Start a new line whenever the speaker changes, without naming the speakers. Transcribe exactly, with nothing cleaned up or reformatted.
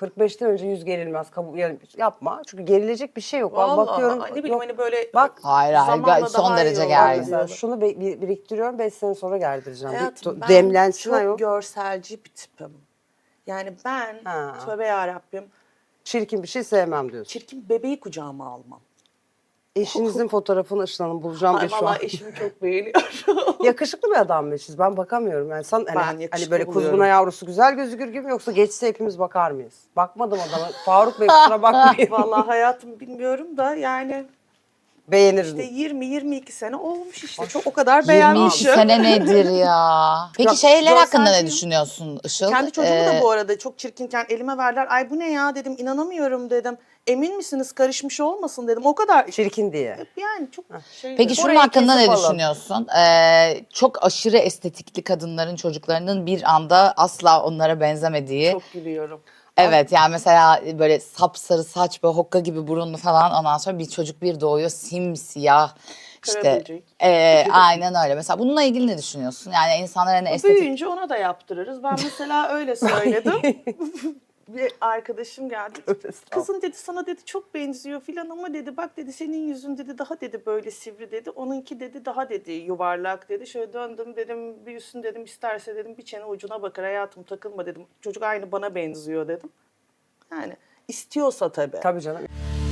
kırk beşten önce yüz gerilmez. Kabul, yani yapma. Çünkü gerilecek bir şey yok. Ben
Vallahi
bakıyorum.
ne bileyim
yok.
hani böyle
Bak,
Hayır, hayır,
zamanla
gayet son
daha iyi
derece
olur
gergin.
mesela
diyor.
şunu be- bir- biriktiriyorum. beş sene sonra gerdireceğim.
Hayatım
Bir,
ben
demlensin
çok
ayol.
görselci bir tipim. Yani ben
Ha.
tövbe yarabbim
Çirkin bir şey sevmem diyorsun.
çirkin bebeği kucağıma almam.
Eşinizin fotoğrafını Işıl Hanım bulacağım
Ay
bir şu an.
vallahi eşimi çok beğeniyorum.
Yakışıklı bir adam mı eşiniz? Ben bakamıyorum. Yani sen,
Ben
hani, hani
yakışıklı
böyle
buluyorum.
kuzguna yavrusu güzel gözükür gibi mi yoksa geçse hepimiz bakar mıyız? Bakmadım adama. Faruk Bey kusura bakmayın.
Vallahi hayatım bilmiyorum da yani
Beğenirim.
işte yirmi yirmi iki sene olmuş işte. Çok o kadar
yirmi iki
beğenmişim.
sene nedir ya? Peki
Ya,
şeyler hakkında ne
görselciyim.
düşünüyorsun Işıl?
Kendi çocuğumu
Ee,
da bu arada çok çirkinken elime verdiler. Ay bu ne ya dedim, inanamıyorum dedim. Emin misiniz karışmış olmasın dedim. O kadar
Çirkin diye.
yani çok şey.
Peki şunun
Orayı
hakkında ne
kesip alın.
düşünüyorsun? Ee, çok aşırı estetikli kadınların çocuklarının bir anda asla onlara benzemediği.
Çok gülüyorum.
Evet, yani mesela böyle sapsarı saç, böyle hokka gibi burunlu falan, ondan sonra bir çocuk bir doğuyor simsiyah. İşte
Karaböcek.
e, aynen öyle. Mesela bununla ilgili ne düşünüyorsun? Yani insanlar hani estetik...
Büyüyünce ona da yaptırırız. Ben mesela öyle söyledim. Bir arkadaşım geldi. Kızın dedi sana dedi çok benziyor filan ama dedi bak dedi senin yüzün dedi daha dedi böyle sivri dedi. Onunki dedi daha dedi yuvarlak dedi. Şöyle döndüm dedim büyüsün dedim isterse dedim bir çene ucuna bakar hayatım takılma dedim. Çocuk aynı bana benziyor dedim. Yani istiyorsa tabii.
Tabii canım.